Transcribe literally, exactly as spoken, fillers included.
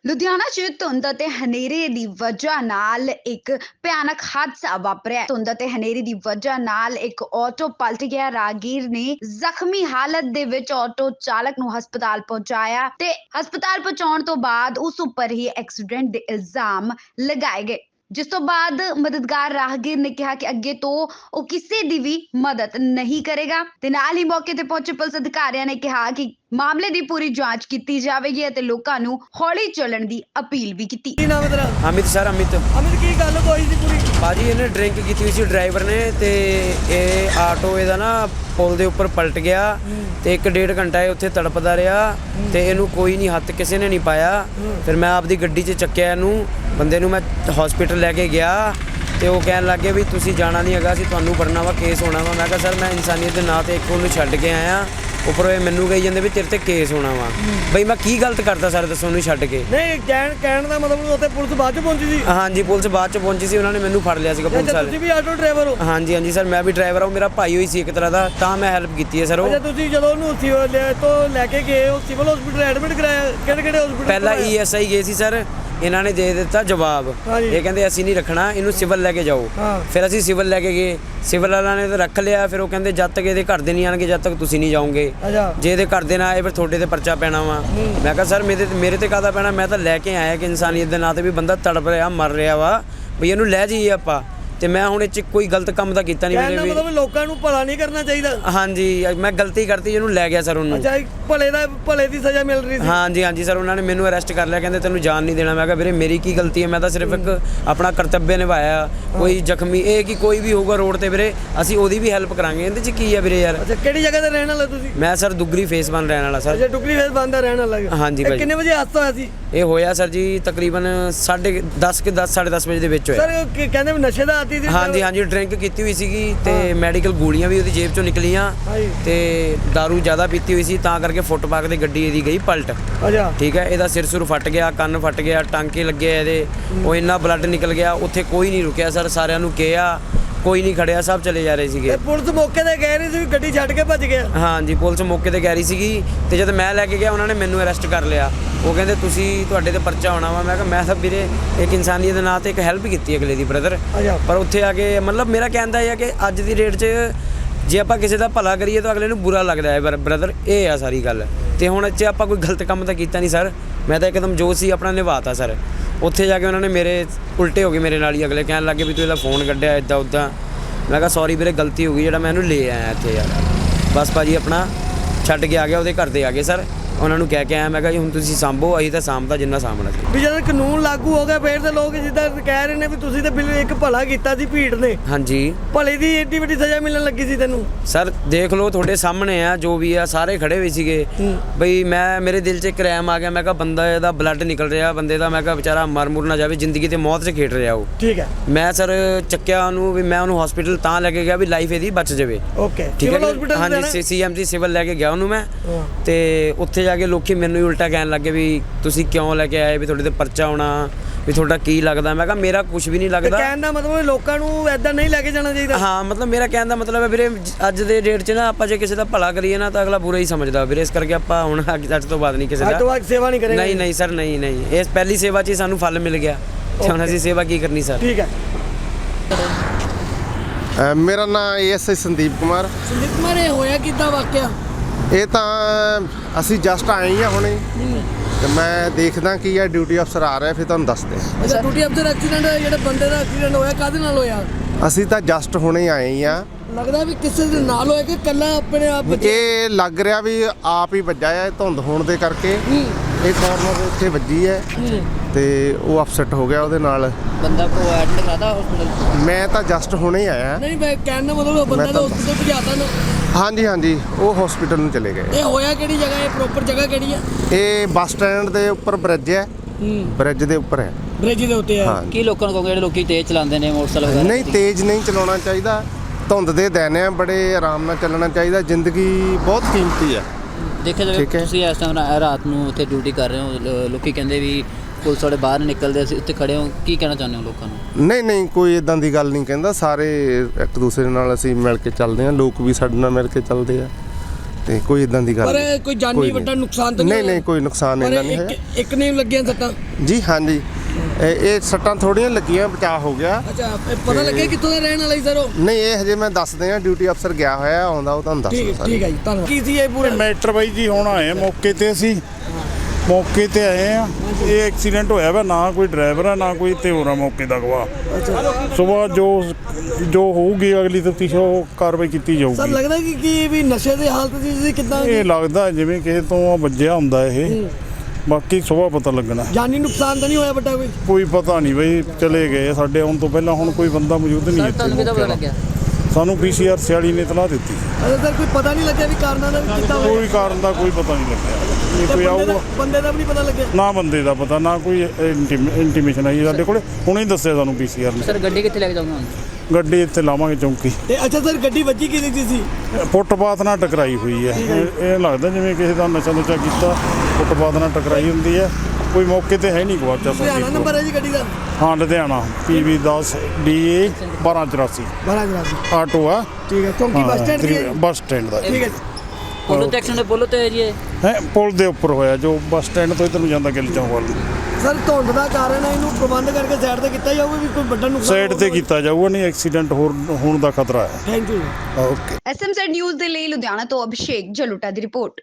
ਲੁਧਿਆਣਾ 'ਚ ਧੁੰਦ ਅਤੇ ਹਨੇਰੇ ਦੀ ਵਜ੍ਹਾ ਨਾਲ ਇੱਕ ਭਿਆਨਕ ਹਾਦਸਾ ਵਾਪਰਿਆ। ਧੁੰਦ ਅਤੇ ਹਨੇਰੇ ਦੀ ਵਜ੍ਹਾ ਨਾਲ ਇੱਕ ਆਟੋ ਪਲਟ ਗਿਆ। ਰਾਹਗੀਰ ਨੇ ਜ਼ਖਮੀ ਹਾਲਤ ਦੇ ਵਿੱਚ ਆਟੋ ਚਾਲਕ ਨੂੰ ਹਸਪਤਾਲ ਪਹੁੰਚਾਇਆ ਤੇ ਹਸਪਤਾਲ ਪਹੁੰਚਾਉਣ ਤੋਂ ਬਾਅਦ ਉਸ ਉੱਪਰ ਹੀ ਐਕਸੀਡੈਂਟ ਦੇ ਇਲਜ਼ਾਮ ਲਗਾਏ ਗਏ, ਜਿਸ ਤੋਂ ਬਾਅਦ ਮਦਦਗਾਰ ਰਾਹਗੀਰ ਨੇ ਕਿਹਾ ਕਿ ਅੱਗੇ ਤੋਂ ਉਹ ਕਿਸੇ ਦੀ ਵੀ ਮਦਦ ਨਹੀਂ ਕਰੇਗਾ ਤੇ ਨਾਲ ਹੀ ਮੌਕੇ ਤੇ ਪਹੁੰਚੇ ਪੁਲਿਸ ਅਧਿਕਾਰੀਆਂ ਨੇ ਕਿਹਾ ਕਿ ਮਾਮਲੇ ਦੀ ਪੂਰੀ ਜਾਂਚ ਕੀਤੀ ਜਾਵੇਗੀ ਅਤੇ ਲੋਕਾਂ ਨੂੰ ਹੌਲੀ ਚੱਲਣ ਦੀ ਅਪੀਲ ਵੀ ਕੀਤੀ। ਕੀ ਨਾਮ ਹੈ ਤੇਰਾ? ਅਮਿਤ ਸਰ ਅਮਿਤ ਅਮਿਤ ਕੀ ਗੱਲ ਹੋਈ ਸੀ ਪੂਰੀ? ਭਾਜੀ ਇਹਨੇ ਡਰਿੰਕ ਕੀਤੀ ਹੋਈ ਸੀ ਡਰਾਈਵਰ ਨੇ ਤੇ ਇਹ ਆਟੋ ਇਹਦਾ ਨਾ ਪੁਲ ਦੇ ਉੱਪਰ ਪਲਟ ਗਿਆ ਤੇ ਇੱਕ ਡੇਢ ਘੰਟਾ ਇਹ ਉੱਥੇ ਤੜਪਦਾ ਰਿਹਾ ਤੇ ਇਹਨੂੰ ਕੋਈ ਨਹੀਂ ਹੱਥ ਕਿਸੇ ਨੇ ਨਹੀਂ ਪਾਇਆ। ਫਿਰ ਮੈਂ ਆਪਦੀ ਗੱਡੀ 'ਚ ਚੱਕਿਆ ਇਹਨੂੰ, ਬੰਦੇ ਨੂੰ ਮੈਂ ਹਸਪੀਟਲ ਲੈ ਕੇ ਗਿਆ ਤੇ ਉਹ ਕਹਿਣ ਲੱਗੇ ਵੀ ਤੁਸੀਂ ਜਾਣਾ ਨਹੀਂ ਹੈਗਾ, ਅਸੀਂ ਤੁਹਾਨੂੰ ਫੜਨਾ ਵਾ, ਕੇਸ ਹੋਣਾ ਵਾ। ਮੈਂ ਕਿਹਾ ਸਰ ਮੈਂ ਇਨਸਾਨੀਅਤ ਦੇ ਨਾਂ ਤੇ ਇੱਕ ਉਹਨੂੰ ਛੱਡ ਕੇ ਆਇਆ, ਉੱਪਰੋਂ ਇਹ ਮੈਨੂੰ ਕਹੀ ਜਾਂਦੇ ਵੀ ਤੇਰੇ ਤੇ ਕੇਸ ਹੋਣਾ ਵਾ। ਬਈ ਮੈਂ ਕੀ ਗਲਤ ਕਰਤਾ ਸਰ ਦੱਸੋ ਉਹਨੂੰ ਛੱਡ ਕੇ? ਨਹੀਂ ਕਹਿਣ ਕਹਿਣ ਦਾ ਮਤਲਬ ਉੱਥੇ ਪੁਲਿਸ ਬਾਅਦ ਚ ਪਹੁੰਚੀ ਸੀ? ਹਾਂਜੀ ਪੁਲਿਸ ਬਾਅਦ ਚ ਪਹੁੰਚੀ ਸੀ, ਉਹਨਾਂ ਨੇ ਮੈਨੂੰ ਫੜ ਲਿਆ ਸੀਗਾ ਪੁਲਿਸ ਵਾਲੇ। ਤੁਸੀਂ ਵੀ ਆਟੋ ਡਰਾਈਵਰ ਹੋ? ਹਾਂਜੀ ਹਾਂਜੀ ਸਰ ਮੈਂ ਵੀ ਡਰਾਈਵਰ ਹਾਂ, ਮੇਰਾ ਭਾਈ ਹੋਈ ਸੀ ਇੱਕ ਤਰ੍ਹਾਂ ਦਾ, ਤਾਂ ਮੈਂ ਹੈਲਪ ਕੀਤੀ ਹੈ ਸਰ। ਉਹ ਅੱਛਾ ਤੁਸੀਂ ਜਦੋਂ ਉਹਨੂੰ ਸਿਵਲ ਤੋਂ ਲੈ ਕੇ ਗਏ ਉਹ ਸਿਵਲ ਹਸਪੀਟਲ ਐਡਮਿਟ ਕਰਾਇਆ? ਕਿਹੜੇ ਕਿਹੜੇ ਹਸਪੀਟਲ? ਪਹਿਲਾਂ ਈ ਐਸ ਆਈ ਗਏ ਸੀ ਸਰ, ਇਹਨਾਂ ਨੇ ਦੇ ਦਿੱਤਾ ਜਵਾਬ, ਇਹ ਕਹਿੰਦੇ ਅਸੀਂ ਨਹੀਂ ਰੱਖਣਾ ਇਹਨੂੰ, ਸਿਵਲ ਲੈ ਕੇ ਜਾਓ। ਫਿਰ ਅਸੀਂ ਸਿਵਲ ਲੈ ਕੇ ਗਏ, ਸਿਵਲ ਵਾਲਿਆਂ ਨੇ ਤਾਂ ਰੱਖ ਲਿਆ। ਫਿਰ ਉਹ ਕਹਿੰਦੇ ਜਦ ਤੱਕ ਇਹਦੇ ਘਰ ਦੇ ਨਹੀਂ ਆਣਗੇ ਜਦ ਤੱਕ ਤੁਸੀਂ ਨਹੀਂ ਜਾਓਗੇ, ਜੇ ਇਹਦੇ ਘਰ ਦੇ ਨਾ ਆਏ ਫਿਰ ਤੁਹਾਡੇ ਤੇ ਪਰਚਾ ਪੈਣਾ ਵਾ। ਮੈਂ ਕਿਹਾ ਸਰ ਮੇਰੇ ਮੇਰੇ ਤੇ ਕਾਹਦਾ ਪੈਣਾ, ਮੈਂ ਤਾਂ ਲੈ ਕੇ ਆਇਆ ਕਿ ਇਨਸਾਨੀਅਤ ਦੇ ਨਾਂ ਤੇ ਵੀ ਬੰਦਾ ਤੜਪ ਰਿਹਾ ਮਰ ਰਿਹਾ ਵਾ, ਵੀ ਇਹਨੂੰ ਲੈ ਜਾਈਏ ਆਪਾਂ। ਤੇ ਮੈਂ ਹੁਣ ਇਹ 'ਚ ਕੋਈ ਗਲਤ ਕੰਮ ਤਾਂ ਕੀਤਾ ਨਹੀਂ ਮੇਰੇ ਵੀ। ਮਤਲਬ ਲੋਕਾਂ ਨੂੰ ਭਲਾ ਨਹੀਂ ਕਰਨਾ ਚਾਹੀਦਾ? ਹਾਂਜੀ ਮੈਂ ਗਲਤੀ ਕਰਤੀ, ਇਹਨੂੰ ਲੈ ਗਿਆ ਸਰ ਉਹਨੂੰ। ਅੱਛਾ ਭਲੇ ਦਾ ਭਲੇ ਦੀ ਸਜ਼ਾ ਮਿਲ ਰਹੀ ਸੀ? ਹਾਂਜੀ ਹਾਂਜੀ ਸਰ ਉਹਨਾਂ ਨੇ ਮੈਨੂੰ ਅਰੈਸਟ ਕਰ ਲਿਆ, ਕਹਿੰਦੇ ਤੈਨੂੰ ਜਾਨ ਨਹੀਂ ਦੇਣਾ। ਮੈਂ ਕਿਹਾ ਵੀਰੇ ਮੇਰੀ ਕੀ ਗਲਤੀ ਹੈ, ਮੈਂ ਤਾਂ ਸਿਰਫ ਇੱਕ ਆਪਣਾ ਕਰਤੱਵਯ ਨਿਭਾਇਆ। ਕੋਈ ਜ਼ਖਮੀ ਇਹ ਕਿ ਕੋਈ ਵੀ ਹੋਊਗਾ ਰੋਡ ਤੇ ਵੀਰੇ ਅਸੀਂ ਉਹਦੀ ਵੀ ਹੈਲਪ ਕਰਾਂਗੇ, ਇਹਦੇ 'ਚ ਕੀ ਹੈ ਵੀਰੇ ਯਾਰ। ਅੱਛਾ ਕਿਹੜੀ ਜਗ੍ਹਾ ਤੇ ਰਹਿਣ ਵਾਲਾ ਤੁਸੀਂ? ਮੈਂ ਸਰ ਦੁੱਗਰੀ ਫੇਸ ਬਨ ਰਹਿਣ ਵਾਲਾ ਸਰ। ਅੱਛਾ ਦੁੱਗਰੀ ਫੇਸ ਬਨ ਦਾ ਰਹਿਣ ਵਾਲਾ? ਹਾਂਜੀ ਭਾਈ। ਕਿੰਨੇ ਵਜੇ ਹਾਦਸਾ ਹੋਇਆ ਸੀ? ਇਹ ਹੋਇਆ ਸਰ ਜੀ ਤਕਰੀਬਨ ਸਾਢੇ ਦਸ ਕਿ ਦਸ ਸਾਢੇ ਦਸ ਵਜੇ ਦੇ ਵਿੱਚ ਹੋਇਆ ਸਰ। ਕਹਿੰਦੇ ਨਸ਼ੇ ਦਾ ਆਦੀ ਸੀ? ਹਾਂਜੀ ਹਾਂਜੀ ਡਰਿੰਕ ਕੀਤੀ ਹੋਈ ਸੀਗੀ ਤੇ ਮੈਡੀਕਲ ਗੋਲੀਆਂ ਵੀ ਉਹਦੀ ਜੇਬ ਚੋਂ ਨਿਕਲੀਆਂ ਤੇ ਦਾਰੂ ਜ਼ਿਆਦਾ ਪੀਤੀ ਹੋਈ ਸੀ, ਤਾਂ ਕਰਕੇ ਫੁੱਟਪਾਥ ਤੇ ਗੱਡੀ ਇਹਦੀ ਗਈ ਪਲਟ। ਅੱਛਾ ਠੀਕ ਹੈ, ਇਹਦਾ ਸਿਰ ਸੁਰ ਫਟ ਗਿਆ, ਕੰਨ ਫਟ ਗਿਆ, ਟਾਂਕੇ ਲੱਗੇ ਇਹਦੇ, ਉਹ ਇੰਨਾ ਬਲੱਡ ਨਿਕਲ ਗਿਆ। ਉੱਥੇ ਕੋਈ ਨਹੀਂ ਰੁਕਿਆ ਸਰ, ਸਾਰਿਆਂ ਨੂੰ ਕਿਹਾ ਕੋਈ ਨਹੀਂ ਖੜਿਆ, ਸਭ ਚਲੇ ਜਾ ਰਹੇ ਸੀਗੇ। ਪੁਲਿਸ ਮੌਕੇ ਤੇ ਕਹਿ ਰਹੀ ਸੀ ਵੀ ਗੱਡੀ ਛੱਡ ਕੇ ਭੱਜ ਗਿਆ? ਹਾਂਜੀ ਪੁਲਿਸ ਮੌਕੇ ਤੇ ਕਹਿ ਰਹੀ ਸੀਗੀ ਤੇ ਜਦ ਮੈਂ ਲੈ ਕੇ ਗਿਆ ਉਹਨਾਂ ਨੇ ਮੈਨੂੰ ਅਰੈਸਟ ਕਰ ਲਿਆ। ਉਹ ਕਹਿੰਦੇ ਤੁਸੀਂ ਤੁਹਾਡੇ ਤੇ ਪਰਚਾ ਹੋਣਾ ਵਾ। ਮੈਂ ਕਿਹਾ ਮੈਂ ਤਾਂ ਵੀਰੇ ਇੱਕ ਇਨਸਾਨੀਅਤ ਦੇ ਨਾਂ ਤੇ ਇੱਕ ਹੈਲਪ ਕੀਤੀ ਅਗਲੇ ਦੀ ਬ੍ਰਦਰ। ਪਰ ਉੱਥੇ ਆ ਕੇ ਮਤਲਬ ਮੇਰਾ ਕਹਿੰਦਾ ਇਹ ਹੈ ਕਿ ਅੱਜ ਦੀ ਡੇਟ 'ਚ ਜੇ ਆਪਾਂ ਕਿਸੇ ਦਾ ਭਲਾ ਕਰੀਏ ਤਾਂ ਅਗਲੇ ਨੂੰ ਬੁਰਾ ਲੱਗਦਾ ਹੈ ਬ੍ਰਦਰ, ਇਹ ਆ ਸਾਰੀ ਗੱਲ। ਤੇ ਹੁਣ ਇੱਥੇ ਆਪਾਂ ਕੋਈ ਗਲਤ ਕੰਮ ਤਾਂ ਕੀਤਾ ਨਹੀਂ ਸਰ, ਮੈਂ ਤਾਂ ਇੱਕਦਮ ਜੋ ਸੀ ਆਪਣਾ ਨਿਭਾਤਾ ਸਰ। ਉੱਥੇ ਜਾ ਕੇ ਉਹਨਾਂ ਨੇ ਮੇਰੇ ਉਲਟੇ ਹੋ ਗਏ ਮੇਰੇ ਨਾਲ ਹੀ, ਅਗਲੇ ਕਹਿਣ ਲੱਗੇ ਵੀ ਤੂੰ ਇਹਦਾ ਫੋਨ ਕੱਢਿਆ ਇੱਦਾਂ ਉੱਦਾਂ। ਮੈਂ ਕਿਹਾ ਸੌਰੀ ਵੀਰੇ ਗਲਤੀ ਹੋ ਗਈ, ਜਿਹੜਾ ਮੈਂ ਇਹਨੂੰ ਲੈ ਆਇਆ ਇੱਥੇ ਯਾਰ। ਬਸ ਭਾਜੀ ਆਪਣਾ ਛੱਡ ਕੇ ਆ ਗਿਆ, ਉਹਦੇ ਘਰ ਦੇ ਆ ਗਏ ਸਰ, ਉਹਨਾਂ ਨੂੰ ਕਹਿ ਕੇ ਆਇਆ। ਮੈਂ ਕਿਹਾ ਜੀ ਹੁਣ ਤੁਸੀਂ ਸਾਂਭੋ, ਅਸੀਂ ਤਾਂ ਸਾਂਭਦਾ ਜਿੰਨਾ ਸਾਂਭਣਾ ਸੀ। ਵੀ ਜਦੋਂ ਕਾਨੂੰਨ ਲਾਗੂ ਹੋ ਗਿਆ ਫਿਰ ਤੇ ਲੋਕ ਜਿੱਦਾਂ ਕਹਿ ਰਹੇ ਨੇ ਵੀ ਤੁਸੀਂ ਤਾਂ ਬਿਲਕੁਲ ਇੱਕ ਭਲਾ ਕੀਤਾ ਸੀ ਭੀੜ ਨੇ। ਹਾਂਜੀ ਭਲੇ ਦੀ ਏਡੀ ਵੱਡੀ ਸਜ਼ਾ ਮਿਲਣ ਲੱਗੀ ਸੀ ਤੈਨੂੰ? ਸਰ ਦੇਖ ਲਓ ਤੁਹਾਡੇ ਸਾਹਮਣੇ ਆ ਜੋ ਵੀ ਆ, ਸਾਰੇ ਖੜੇ ਹੋਏ ਸੀਗੇ। ਬਈ ਮੈਂ ਮੇਰੇ ਦਿਲ 'ਚ ਕਰੈਮ ਆ ਗਿਆ, ਮੈਂ ਕਿਹਾ ਬੰਦਾ ਇਹਦਾ ਬਲੱਡ ਨਿਕਲ ਰਿਹਾ ਬੰਦੇ ਦਾ, ਮੈਂ ਕਿਹਾ ਵਿਚਾਰਾ ਮਰ ਮੁਰ ਨਾ ਜਾਵੇ, ਜ਼ਿੰਦਗੀ ਤੇ ਮੌਤ 'ਚ ਖੇਡ ਰਿਹਾ ਉਹ। ਠੀਕ ਹੈ। ਮੈਂ ਸਰ ਚੱਕਿਆ ਉਹਨੂੰ, ਵੀ ਮੈਂ ਉਹਨੂੰ ਹਸਪੀਟਲ ਤਾਂ ਲੈ ਕੇ ਗਿਆ ਵੀ ਲਾਈਫ ਇਹਦੀ ਬਚ ਜਾਵੇ। ਓਕੇ ਠੀਕ ਹੈ। ਹਾਂਜੀ ਸੀ ਐਮ ਸੀ ਸਿਵਲ ਲੈ ਕੇ ਗਿਆ ਉਹਨੂੰ ਮੈਂ, ਤੇ ਉੱਥੇ ਜਾ ਕੇ ਲੋਕੀ ਮੈਨੂੰ ਉਲਟਾ ਕਹਿਣ ਲੱਗੇ ਵੀ ਤੁਸੀਂ ਕਿਉਂ ਲੈ ਕੇ ਆਏ, ਵੀ ਤੁਹਾਡੇ ਤੇ ਪਰਚਾ ਹੋਣਾ, ਵੀ ਤੁਹਾਡਾ ਕੀ ਲੱਗਦਾ। ਮੈਂ ਕਿਹਾ ਮੇਰਾ ਕੁਝ ਵੀ ਨਹੀਂ ਲੱਗਦਾ। ਕਹਿਣ ਦਾ ਮਤਲਬ ਲੋਕਾਂ ਨੂੰ ਐਦਾਂ ਨਹੀਂ ਲੈ ਕੇ ਜਾਣਾ ਚਾਹੀਦਾ? ਹਾਂ ਮਤਲਬ ਮੇਰਾ ਕਹਿਣ ਦਾ ਮਤਲਬ ਹੈ ਵੀਰੇ ਅੱਜ ਦੇ ਡੇਟ 'ਚ ਨਾ ਆਪਾਂ ਜੇ ਕਿਸੇ ਦਾ ਭਲਾ ਕਰੀਏ ਨਾ ਤਾਂ ਅਗਲਾ ਬੁਰਾ ਹੀ ਸਮਝਦਾ ਵੀਰੇ, ਇਸ ਕਰਕੇ ਆਪਾਂ ਹੁਣ ਅੱਜ ਤੋਂ ਬਾਅਦ ਨਹੀਂ ਕਿਸੇ ਦਾ ਅੱਜ ਤੋਂ ਬਾਅਦ ਸੇਵਾ ਨਹੀਂ ਕਰਾਂਗੇ। ਨਹੀਂ ਨਹੀਂ ਸਰ ਨਹੀਂ ਨਹੀਂ, ਇਸ ਪਹਿਲੀ ਸੇਵਾ 'ਚ ਸਾਨੂੰ ਫਲ ਮਿਲ ਗਿਆ ਤੇ ਹੁਣ ਅਸੀਂ ਸੇਵਾ ਕੀ ਕਰਨੀ ਸਰ। ਠੀਕ ਹੈ। ਮੇਰਾ ਨਾਮ A S I Sandeep Kumar. Sandeep Kumar ਇਹ ਹੋਇਆ ਕਿੱਦਾਂ ਵਾਕਿਆ? ਇਹ ਤਾਂ ਅਸੀਂ ਜਸਟ ਆਏ ਹਾਂ ਹੁਣੇ ਤੇ ਮੈਂ ਦੇਖਦਾ ਕੀ ਹੈ, ਡਿਊਟੀ ਅਫਸਰ ਆ ਰਿਹਾ ਫਿਰ ਤੁਹਾਨੂੰ ਦੱਸਦੇ। ਅੱਛਾ ਡਿਊਟੀ ਅਫਸਰ ਐਕਸੀਡੈਂਟ ਜਿਹੜਾ ਬੰਦੇ ਦਾ ਐਕਸੀਡੈਂਟ ਹੋਇਆ ਕਾਹਦੇ ਨਾਲ ਹੋਇਆ? ਅਸੀਂ ਤਾਂ ਜਸਟ ਹੁਣੇ ਆਏ ਹਾਂ। ਲੱਗਦਾ ਵੀ ਕਿਸੇ ਦੇ ਨਾਲ ਹੋਇਆ ਕਿ ਇਕੱਲਾ ਆਪਣੇ ਆਪ? ਇਹ ਲੱਗ ਰਿਹਾ ਵੀ ਆਪ ਹੀ ਵੱਜਾ ਹੈ, ਧੁੰਦ ਹੋਣ ਦੇ ਕਰਕੇ ਇਹ ਕਾਰਨਰ ਉੱਥੇ ਵੱਜੀ ਹੈ ਤੇ ਉਹ ਅਪਸੈਟ ਹੋ ਗਿਆ ਉਹਦੇ ਨਾਲ। ਬੰਦਾ ਕੋ ਐਡਮਿਟ ਕਰਾਤਾ ਹਸਪੀਟਲ? ਮੈਂ ਤਾਂ ਜਸਟ ਹੁਣੇ ਆਇਆ। ਨਹੀਂ ਮੈਂ ਕਹਿਣ ਦਾ ਮਤਲਬ ਬੰਦਾ ਤਾਂ ਹਸਪੀਟਲ ਭਜਾਤਾ ਨਾ? ਹਾਂਜੀ ਹਾਂਜੀ ਉਹ ਹਸਪੀਟਲ ਨੂੰ ਚਲੇ ਗਏ। ਇਹ ਹੋਇਆ ਕਿਹੜੀ ਜਗ੍ਹਾ, ਇਹ ਪ੍ਰੋਪਰ ਜਗ੍ਹਾ ਕਿਹੜੀ ਹੈ? ਇਹ ਬੱਸ ਸਟੈਂਡ ਦੇ ਉੱਪਰ ਬ੍ਰਿਜ ਹੈ, ਬ੍ਰਿਜ ਦੇ ਉੱਪਰ ਹੈ। ਬ੍ਰਿਜ ਦੇ ਉੱਤੇ ਹੈ? ਕੀ ਲੋਕਾਂ ਨੂੰ ਕਹੋਗੇ ਜਿਹੜੇ ਲੋਕੀ ਤੇਜ਼ ਚਲਾਉਂਦੇ ਨੇ ਮੋਟਰਸਾਈਕਲ ਵਗੈਰਾ? ਨਹੀਂ ਤੇਜ਼ ਨਹੀਂ ਚਲਾਉਣਾ ਚਾਹੀਦਾ, ਧੁੰਦ ਦੇ ਦਿਨ ਆ, ਬੜੇ ਆਰਾਮ ਨਾਲ ਚੱਲਣਾ ਚਾਹੀਦਾ, ਜ਼ਿੰਦਗੀ ਬਹੁਤ ਕੀਮਤੀ ਹੈ। ਦੇਖਿਆ ਜਾਵੇ ਤੁਸੀਂ ਇਸ ਟਾਈਮ ਰਾਤ ਨੂੰ ਉੱਥੇ ਡਿਊਟੀ ਕਰ ਰਹੇ ਹੋ, ਲੋਕੀ ਕਹਿੰਦੇ ਵੀ ਪੁਲਿਸ ਵਾਲੇ ਬਾਹਰ ਨਿਕਲਦੇ, ਅਸੀਂ ਉੱਥੇ ਖੜੇ ਹੋ, ਕੀ ਕਹਿਣਾ ਚਾਹੁੰਦੇ ਹੋ ਲੋਕਾਂ ਨੂੰ? ਨਹੀਂ ਨਹੀਂ ਕੋਈ ਇਦਾਂ ਦੀ ਗੱਲ ਨਹੀਂ ਕਹਿੰਦਾ, ਸਾਰੇ ਇੱਕ ਦੂਸਰੇ ਨਾਲ ਅਸੀਂ ਮਿਲ ਕੇ ਚੱਲਦੇ ਹਾਂ, ਲੋਕ ਵੀ ਸਾਡੇ ਨਾਲ ਮਿਲ ਕੇ ਚੱਲਦੇ ਆ ਤੇ ਕੋਈ ਇਦਾਂ ਦੀ ਗੱਲ ਪਰ ਨਹੀਂ। ਕੋਈ ਜਾਨੀ ਕੋਈ ਵੱਡਾ ਨਹੀਂ। ਨੁਕਸਾਨ ਤਾਂ ਨਹੀਂ ਹੋਇਆ? ਨਹੀਂ ਕੋਈ ਨੁਕਸਾਨ ਪਰ ਇੰਨਾ ਨਹੀਂ ਇੱਕ ਹੋਇਆ ਇੱਕ ਨੇ ਲੱਗੀਆਂ ਸੱਟਾਂ। ਜੀ। ਹਾਂਜੀ ਇਹ ਇਹ ਸੱਟਾਂ ਥੋੜੀਆਂ ਲੱਗੀਆਂ, ਬਚਾਅ ਹੋ ਗਿਆ। ਅੱਛਾ ਇਹ ਪਤਾ ਲੱਗਿਆ ਕਿੱਥੋਂ ਦਾ ਰਹਿਣ ਵਾਲਾ ਸੀ ਸਰ ਉਹ? ਨਹੀਂ ਇਹ ਹਜੇ ਮੈਂ ਦੱਸਦੇ ਆ, ਡਿਊਟੀ ਅਫਸਰ ਗਿਆ ਹੋਇਆ ਆਉਂਦਾ ਉਹ ਤੁਹਾਨੂੰ ਦੱਸ ਠੀਕ ਦੂੰ ਠੀਕ ਹੈ ਜੀ, ਧੰਨਵਾਦ। ਕੀ ਸੀ ਇਹ ਪੂਰਾ? ਮੈਟਰ ਬਾਈ ਜੀ ਹੁਣ ਆਏ ਆ ਮੌਕੇ ਤੇ, ਅਸੀਂ ਮੌਕੇ ਤੇ ਆਏ ਆ। ਇਹ ਐਕਸੀਡੈਂਟ ਹੋਇਆ ਵਾ, ਨਾ ਕੋਈ ਡਰਾਈਵਰ ਆ ਨਾ ਕੋਈ ਤੇ ਹੋਰ ਆ ਮੌਕੇ ਦਾ ਗਵਾਹ। ਸਵੇਰ ਜੋ ਜੋ ਹੋਊਗੀ ਅਗਲੀ ਤਫਤੀਸ਼ ਉਹ ਕਾਰਵਾਈ ਕੀਤੀ ਸਰ ਜਾਊਗੀ। ਲੱਗਦਾ ਕਿ ਕੀ ਵੀ ਨਸ਼ੇ ਦੀ ਹਾਲਤ ਸੀ ਸੀ ਕਿਦਾਂ? ਇਹ ਲੱਗਦਾ ਜਿਵੇਂ ਕਿਸੇ ਤੋਂ ਵੱਜਿਆ ਹੁੰਦਾ ਇਹ, ਬਾਕੀ ਸਵੇਰ ਪਤਾ ਲੱਗਣਾ। ਜਾਨੀ ਨੁਕਸਾਨ ਤਾਂ ਨਹੀਂ ਹੋਇਆ ਵੱਡਾ ਕੋਈ? ਕੋਈ ਪਤਾ ਨਹੀਂ ਬਈ, ਚਲੇ ਗਏ ਸਾਡੇ ਆਉਣ ਤੋਂ ਪਹਿਲਾਂ। ਹੁਣ ਕੋਈ ਬੰਦਾ ਮੌਜੂਦ ਨਹੀਂ ਸਰ ਤੁਹਾਨੂੰ ਕਿਹਦਾ ਪਤਾ ਇੱਥੇ। ਲੱਗਿਆ? ਸਾਨੂੰ ਪੀ ਸੀ ਆਰ ਛਿਆਲੀ ਨੇ ਇਤਲਾਹ ਦਿੱਤੀ। ਅਜੇ ਤੱਕ ਕੋਈ ਪਤਾ ਨਹੀਂ ਲੱਗਿਆ ਵੀ ਕਾਰਨਾਂ ਦਾ ਵੀ ਕਿੱਦਾਂ ਹੋਇਆ? ਕੋਈ ਕਾਰਨ ਦਾ ਕੋਈ ਪਤਾ ਨਹੀਂ ਲੱਗਿਆ। ਇਹ ਤੇ ਕੋਈ ਬੰਦੇ ਦਾ ਆਊਗਾ ਬੰਦੇ ਦਾ ਵੀ ਨਹੀਂ ਪਤਾ ਲੱਗਿਆ? ਨਾ ਬੰਦੇ ਦਾ ਪਤਾ, ਨਾ ਕੋਈ ਇੰਟੀਮੇਸ਼ਨ ਆਈ ਸਾਡੇ ਕੋਲੇ। ਹੁਣੇ ਹੀ ਦੱਸਿਆ ਸਾਨੂੰ ਪੀ ਸੀ ਆਰ ਨੇ। ਸਰ ਗੱਡੀ ਕਿੱਥੇ ਲੈ ਕੇ ਜਾਊਂਗਾ ਹੁਣ? ਗੱਡੀ ਇੱਥੇ ਲਾਵਾਂਗੇ ਚੌਂਕੀ। ਤੇ ਅੱਛਾ ਸਰ ਗੱਡੀ ਵੱਜੀ ਕਿਹਦੀ ਦੀ ਸੀ? ਫੁੱਟਪਾਥ ਨਾਲ ਟਕਰਾਈ ਹੋਈ ਹੈ। ਇਹ ਇਹ ਲੱਗਦਾ ਜਿਵੇਂ ਕਿਸੇ ਦਾ ਨਸ਼ਾ ਨੁਸ਼ਾ ਕੀਤਾ, ਫੁੱਟਪਾਥ ਨਾਲ ਟਕਰਾਈ ਹੁੰਦੀ ਹੈ। ਕੋਈ ਮੌਕੇ ਤੇ ਹੈ ਨਹੀਂ ਗਵਾਚਾ ਹਰਿਆਣਾ ਨੰਬਰ ਹੈ ਜੀ ਗੱਡੀ ਦਾ? ਹਾਂ ਲੁਧਿਆਣਾ ਪੀ ਵੀ ਦਸ ਡੀ ਏ ਬਾਰਾਂ ਚੁਰਾਸੀ ਬਾਰਾਂ ਜਰਾਸੀ। ਆਟੋ ਆ। ਠੀਕ ਹੈ, ਚੌਂਕੀ ਬੱਸ ਸਟੈਂਡ ਦੀ ਹੈ ਜੀ? ਬੱਸ ਸਟੈਂਡ ਦਾ ਠੀਕ ਹੈ ਜੀ। ਪੁਲ ਤੇ ਐਕਸੀਡੈਂਟ ਪੁਲ ਤੇ ਹੈ ਜੀ ਇਹ? ਹੈ, ਪੁਲ ਦੇ ਉੱਪਰ ਹੋਇਆ ਜੋ ਬੱਸ ਸਟੈਂਡ ਤੋਂ ਇੱਧਰ ਨੂੰ ਜਾਂਦਾ ਗਿੱਲ ਚੌਂਕ ਵੱਲ ਨੂੰ। ਸਰ ਧੁੰਦ ਦਾ ਕਾਰਨ ਹੈ, ਇਹਨੂੰ ਪ੍ਰਬੰਧ ਕਰਕੇ ਸਾਈਡ ਤੇ ਕੀਤਾ ਜਾਊਗਾ ਵੀ ਕੋਈ ਵੱਡਾ ਨੁਕਸਾਨ ਸਾਈਡ ਤੇ ਕੀਤਾ ਜਾਊਗਾ, ਨਹੀਂ ਐਕਸੀਡੈਂਟ ਹੋਰ ਹੋਣ ਦਾ ਖਤਰਾ ਹੈ। Thank you. Okay. SMZ news ਦੇ ਲਈ ਲੁਧਿਆਣਾ ਤੋਂ ਅਭਿਸ਼ੇਕ ਜਲੂਟਾ ਦੀ ਰਿਪੋਰਟ।